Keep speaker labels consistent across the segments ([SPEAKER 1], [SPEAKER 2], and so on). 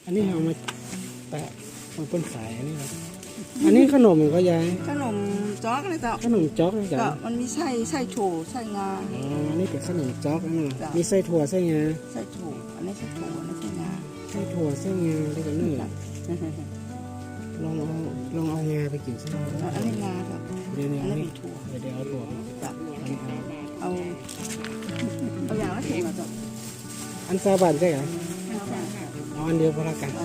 [SPEAKER 1] อันนี้เอามาแปะมันเป็นขายอันนี้ครับอันนี้ขนมก็ยาย
[SPEAKER 2] ขนมจ๊อกเลยเจ้า
[SPEAKER 1] ขนมจ๊อกนะจ๊ะ
[SPEAKER 2] มันมีไส้โถไส้งา
[SPEAKER 1] อ๋ออันนี้เป็นขนมจ๊อกนะมีไส้ถั่วไส้งา
[SPEAKER 2] ไส้โถอันนี้ไส้โถอันนี้ไส้งา
[SPEAKER 1] ไส้ถั่วไส้งาแล้วก็นึ่งลองเอางาไปกินใช่ไหม
[SPEAKER 2] อันนี้งาครับ
[SPEAKER 1] เดี๋ยว
[SPEAKER 2] อันนี้ถั่ว
[SPEAKER 1] เดี๋ยวเอาถั่ว
[SPEAKER 2] เอาอย่างละถุงอ่ะจ้ะ
[SPEAKER 1] อันซาบันใช่ไหมเอาอันเดียวพอละกัน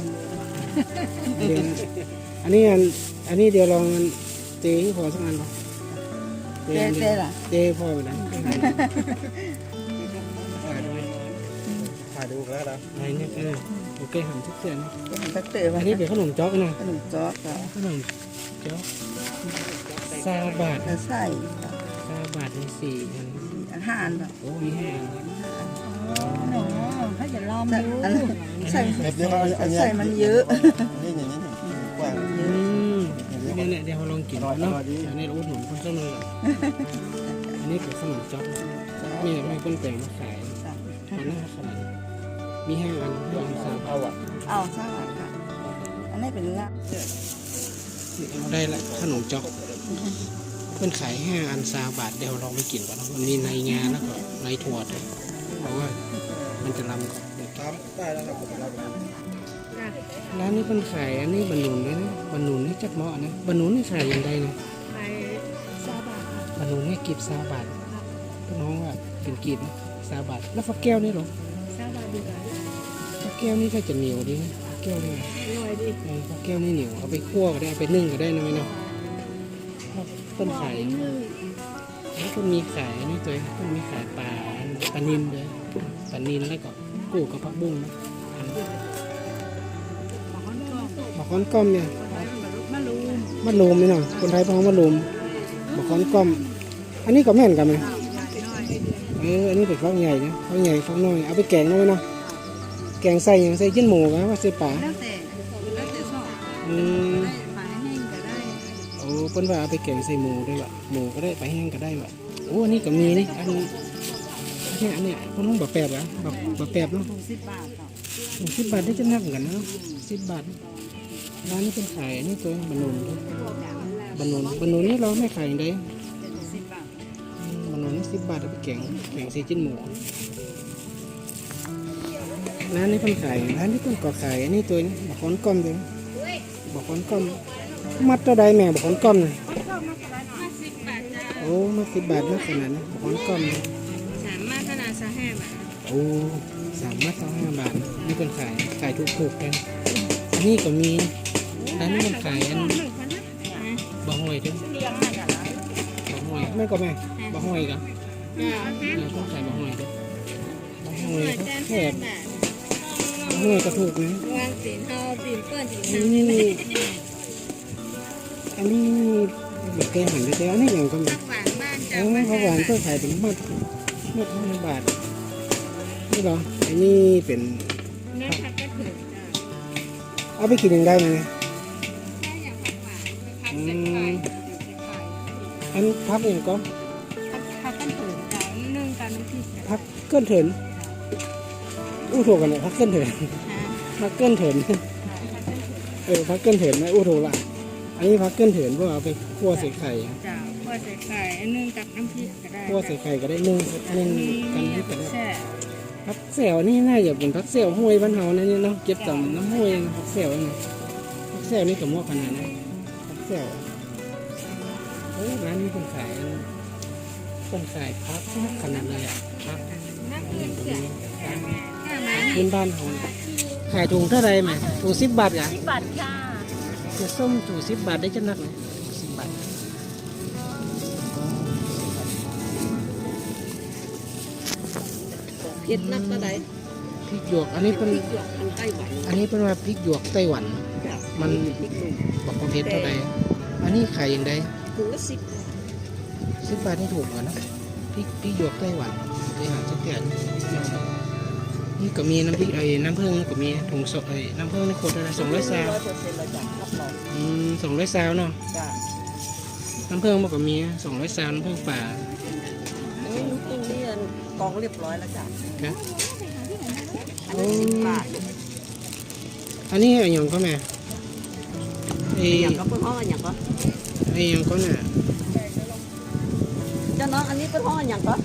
[SPEAKER 1] อันนี้เดี๋ยวลองเจพอสักอันหรอ
[SPEAKER 2] เจล่ะ
[SPEAKER 1] เจพอไปแล้ว
[SPEAKER 3] ถ่ายดูแล้วนะ
[SPEAKER 1] อะไรเนี่ยโอเคหันทุกเส้น
[SPEAKER 2] ตักเตะ
[SPEAKER 1] อันนี้เป็นขนมจ๊อกนะ
[SPEAKER 2] ขนมจ๊อก
[SPEAKER 1] ขนมจ๊อกซาบาท
[SPEAKER 2] ไส้
[SPEAKER 1] ซาบาทใน4 อัน
[SPEAKER 2] 5 อันแบบ
[SPEAKER 1] โอ้มี5 อัน
[SPEAKER 4] หนูเขาจะลองดู
[SPEAKER 2] ใส่มันเยอะ
[SPEAKER 3] นี่อย่างนี้กว้าง
[SPEAKER 1] เนี่ยเดี๋ยวเราลองกินเนาะอันนี้รู้หนุนคนเสมออันนี้เป็นขนมจ๊อกมีไม่เป็นแปลงมาขายอันนั้นขนาดมี5 อัน3
[SPEAKER 3] เอา
[SPEAKER 2] สร้างค่ะอันนี้เป็นงา
[SPEAKER 1] เอาได้ละขนมจ๊อกเพื่อนขาย5 อัน3 บาทเดี๋ยวเราไปกินก่อนมันมีในงาแล้วก็ในถั่วด้วยเพราะว่ามันจะลำก่อน
[SPEAKER 3] ได้แล้วครับเรา
[SPEAKER 1] ร้านนี้เพิ่นขายอันนี้บรรนุนเลยนะบรรนุนนี่จักเหมาะนะบรรนุนนี่ขายยังไงนะ
[SPEAKER 4] ไป20 บาท
[SPEAKER 1] บรรนุนนี่กีบ20 บาทน้องว่าเป็นกีบนะ20 บาทแล้วฟักแก้วนี่หรอ
[SPEAKER 4] 20 บาทดีกว่า
[SPEAKER 1] ฟักแก้วนี่ก็จะเหนียวดีนะฟักแก้วนี่
[SPEAKER 4] อร่อยดี
[SPEAKER 1] ฟักแก้วนี่เหนียวเอาไปคั่วก็ได้เอาไปนึ่งก็ได้นะไหมเนาะเพิ่นขายแล้วก็มีขายนี่ตัวเพิ่นมีขายปลานิลด้วยปลานิลแล้วก็กู้กับผักบุ้งนะมะขอนก้อมเนี่ยมะลูมนี่เนาะคนไทยพ้องมะลูมมะขอนก้อมอันนี้ก็แม่นกันไหมอันนี้เป็นฟักใหญ่นะฟักใหญ่ฟักน้อยเอาไปแกงน้อยเนาะแกงใส่อย่างใส่จิ้นหมูกันว่าใส่ปลา
[SPEAKER 2] แล้วแต่ชอบปลาแห้งก็ได้
[SPEAKER 1] โอ้เพิ่นว่าเอาไปแกงใส่หมูได้ว่ะหมูก็ได้ปลาแห้งก็ได้ว่ะโอ้อันนี้ก็มีนี่อันนี้เพิ่นต้องแบบแปบอ่ะแบบแปบเนาะ
[SPEAKER 2] 10 บาท
[SPEAKER 1] 10 บาทได้จะนักเหมือนกันนะ10 บาทร้านนี้เป็นขายนี่ตัวบรรนุนนี่เราไม่ขายอย่างใด
[SPEAKER 2] 10 บาท
[SPEAKER 1] บรรนุนนี่10 บาทเอาไปแกงใส่จิ้นหมูร้านนี้เป็นขายร้านนี้เป็นก่อขายนี่ตัวนี้บักขอนก้อมตัวบักขอนก้อมมัดเท่าใดแม่บักขอนก้อมน่ะโอ้มา10 บาทนะขนาดนี้บักขอนก้อม
[SPEAKER 4] 3 มาขนาด25 บาท
[SPEAKER 1] โอ้3 มัด25 บาทนี่เป็นขายถูกๆกันอันนี้ก็มีร้านนี้มันขายอันบะหอยด้วยบะหอยแม่ก็แม่บะหอยกันเราต้องขายบะหอยด้วยบะหอยก็แคบบะหอยก็ถูกนะ
[SPEAKER 4] วางสีเทาปีนเปิ้ลสีเทา
[SPEAKER 1] อันนี้แบบแกงหันไปแล้วอันนี้อย่างก็มี
[SPEAKER 4] หวานบ้านจ้
[SPEAKER 1] าผักหวานก็ขายถึงมัด5 บาทนี่เหรออันนี้เป็น
[SPEAKER 4] เนื้อผักก็ถึง
[SPEAKER 1] เอาไปกินยังได้ไหมอันพักอย่างก็
[SPEAKER 4] พักกันถึงจ้านึ่งกันน้ำพริก
[SPEAKER 1] พักเกินเถินอู้ถูกกันเนี่ยพักเกินเถินพักเกินเถินพักเกินเถินไหมอู้ถูกละอันนี้พักเกินเถินเพราะเอาไปคั่วใส่ไข่
[SPEAKER 4] จ้าคั่วใส่ไข่นึ่งกับน้ำพริกก็ได้
[SPEAKER 1] คั่วใส่ไข่ก็ได้นึ่งกันที่กันพักเสี่ยวนี่น่าจะเป็นพักเสี่ยวห้วยบ้านเฮานะเนี่ยเนาะเก็บต่ำน้ำห้วยพักเสี่ยวนี่พักเสี่ยวนี่กับหม้อขนาดนั้นพักเสี่ยวร้านนี้คนขายพักขนาดเลยอ่ะพักพื้นบ้านของขายถุงเท่าไรไหมถุง10 บาทอ่ะ
[SPEAKER 4] 10 บาทค่ะ
[SPEAKER 1] จะส้มถุง10 บาทได้จะนักไหม10 บาท
[SPEAKER 2] เผ็ดนักก็ได้
[SPEAKER 1] พริกหยวกอันนี้เป็นว่าพริกหยวกไต้หวันมันบอกความเผ็ดเท่าไรอันนี้ขายอย่างไร
[SPEAKER 2] ถุงละ
[SPEAKER 1] 10 บาทนี่ถูกกว่านะพริกหยวกไต้หวันไปหาสักแก่นี่ก็มีน้ำพริกน้ำผึ้งก็มีถุงสดน้ำผึ้งในขวดอะไร200 ซาว200 ซาวเนาะน้ำผึ้งมันก็มี200 ซาวน้ำผึ้งป่า
[SPEAKER 2] นี่ตรงนี้กองเรียบร้อยแล้วจ้ะ
[SPEAKER 1] ครับ
[SPEAKER 2] อันนี้10 บาท
[SPEAKER 1] อันนี้อะไรอย่างก็แม่ไอ้
[SPEAKER 2] อย่างก็เปิ้ลห้องอย่างก็
[SPEAKER 1] ไอ้อย่างก็น่ะ
[SPEAKER 2] เจ้าน้องอันนี้เปิ้ลห้องอย่างก็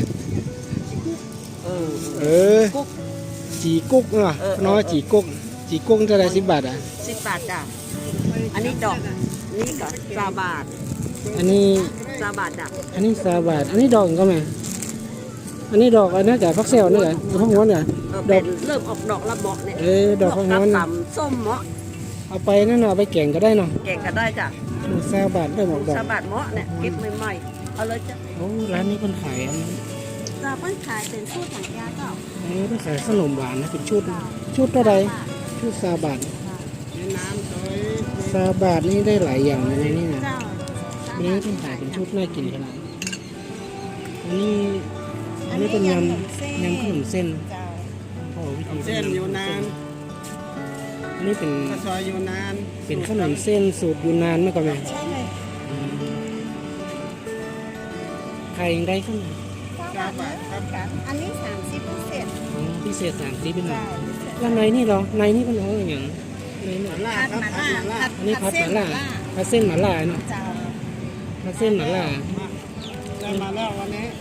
[SPEAKER 1] เออ
[SPEAKER 2] กุ๊ก
[SPEAKER 1] จีกุ๊กเนาะเนาะจีกุ๊กจีกุ๊กเท่าไหร่10 บาทอ่ะ
[SPEAKER 2] 10 บาทจ้ะอันนี้ดอกนี่ก็3 บาท
[SPEAKER 1] อันนี้
[SPEAKER 2] 3 บาทจ้ะ
[SPEAKER 1] อันนี้3 บาทอันนี้ดอกก็แม่อันนี้ดอกอันนี้จากพักเซลนี่เหรอหรือพักม้วนเหรอ
[SPEAKER 2] เป็นเริ่มออกดอกละเมาะเนี่ย
[SPEAKER 1] ดอกพักม้วน
[SPEAKER 2] ต่ำส้มเมาะ
[SPEAKER 1] เอาไปนั่นเนาะเอาไปแกงก็ได้เนาะ
[SPEAKER 2] แกงก็ได้จ้ะ
[SPEAKER 1] 3 บาทได้หมดดอก
[SPEAKER 2] 3 บาทเมาะเนี่ยเก็บใหม่ๆเอาเลยจ้ะ
[SPEAKER 1] โอ้ร้านนี้คนขายอัน
[SPEAKER 2] เราเปิ้ลขายเป็นสูตรถังยาเจ้า
[SPEAKER 1] ต้องขายขนมหวานนะเป็นชุดเท่าไรชุด3 บาท
[SPEAKER 2] น้ำซอย
[SPEAKER 1] 3 บาทนี่ได้หลายอย่างเลยนะนี่นะ
[SPEAKER 2] เจ้า
[SPEAKER 1] อันนี้ต้องขายเป็นชุดน่ากินขนาดอันนี้เป็นยำขนมเส้น
[SPEAKER 2] เจ้า
[SPEAKER 1] โอ้วิธี
[SPEAKER 3] เส้นอยู่นาน
[SPEAKER 1] อันนี้เป็น
[SPEAKER 3] ข้าวซอยอยู่นาน
[SPEAKER 1] เป็นขนมเส้นสูตรยูนานเมื่อก่อนไหม
[SPEAKER 2] ใช่เลย
[SPEAKER 1] ใครยังได้ขึ้นมา
[SPEAKER 3] 9 บาทครับ
[SPEAKER 2] อันนี้30พิเศษ
[SPEAKER 1] พิเศษ30เป็นหน่อย
[SPEAKER 2] เจ้า
[SPEAKER 1] แล้วในนี่เหรอในนี่เป็นของอย่างในนี่
[SPEAKER 3] หมาล่าครับผัดหมาล่า
[SPEAKER 1] อันนี้พัดหมาล่าพัดเส้นหมาล่าเนาะ
[SPEAKER 2] เจ้า
[SPEAKER 1] พัดเส้นหมาล่า
[SPEAKER 3] ได้มาแล้ววันนี้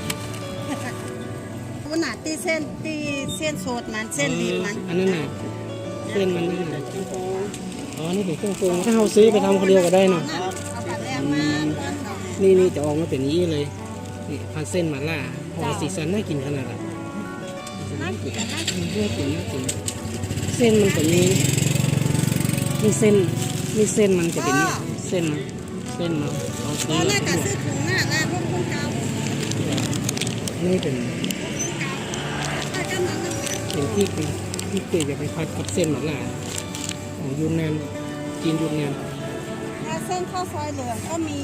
[SPEAKER 2] วันหนาตีเส้นโซดมันเส้นรีบมัน
[SPEAKER 1] อันนั้นน่ะเส้นมันนี่น่ะอ๋อนี่เป็นเครื่องปรุงถ้าเราซื้อไปทำคนเดียวก็ได้เนาะ
[SPEAKER 2] เอาปลาแรมมาต้นดอก
[SPEAKER 1] นี่จะออกมาเป็นอย่างนี้เลยนี่พันเส้นหมาล่าพอสีสันน่ากินขนาดน่ะ
[SPEAKER 2] น่ากินน่ากิน
[SPEAKER 1] น่ากินน่ากินเส้นมันจะมีนี่เส้นมันจะเป็นเส้นเนาะเอา
[SPEAKER 2] ก็น่าจะซื้อถุงหน้าแล้วพวกคุณเก่า
[SPEAKER 1] นี่เป็น
[SPEAKER 2] ถ้าจะนำ
[SPEAKER 1] เป็นที่เกยจะไปพัดกับเส้นหมาล่าของยูนนานจีนยูนนาน
[SPEAKER 2] ถ้าเส้นข้าวซอยเหลืองก็มี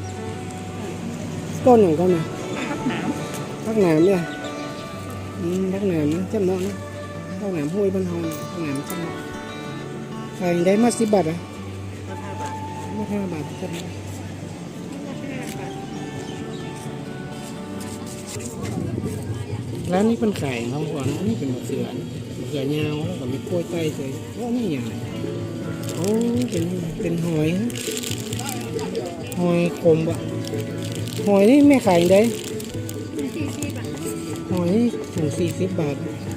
[SPEAKER 1] ต้นอย่างก็มา
[SPEAKER 2] ข้าวหนาม
[SPEAKER 1] พักหนามเนี่ยพักหนามนะจำเนาะนะพักหนามห้วยบ้านเฮาเนี่ยพักหนามจำเนาะขายได้มา10 บาทอ่ะมา5 บาทจำเนาะร้านนี้เป็นขายของก่อนนี่เป็นมะเขือยาวแล้วก็มีกล้วยไต้เลยว่านี่อย่างไรโอ้เป็นหอยฮะหอยขมบะหอยนี่แม่ขายได้หอยนี่ถุง40 บาท